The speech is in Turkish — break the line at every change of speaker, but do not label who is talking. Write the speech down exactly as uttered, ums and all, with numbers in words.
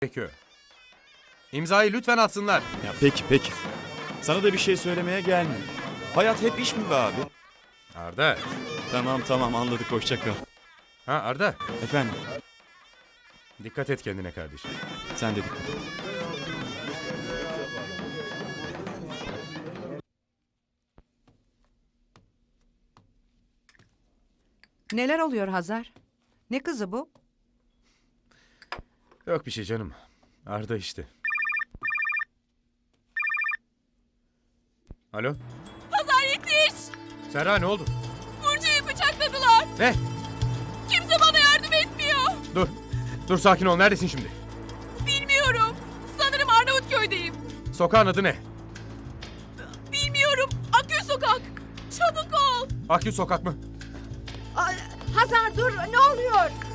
gerekiyor. İmzayı lütfen atsınlar.
Ya peki peki. Sana da bir şey söylemeye gelmiyor. Hayat hep iş mi be abi?
Arda.
Tamam tamam anladık, hoşça kal.
Ha Arda.
Efendim,
Dikkat et kendine kardeşim.
sen de dikkat et.
Neler oluyor Hazar? Ne kızı bu?
Yok bir şey canım. Arda işte. Alo.
Hazar yetiş!
Serra ne oldu?
Burcu'yu bıçakladılar.
Ne?
Kimse bana yardım etmiyor.
Dur. Dur sakin ol. Neredesin şimdi?
Bilmiyorum. Sanırım Arnavutköy'deyim.
Sokağın adı ne?
Bilmiyorum. Akgül Sokak. Çabuk ol.
Akgül Sokak mı?
Hazar dur, ne oluyor?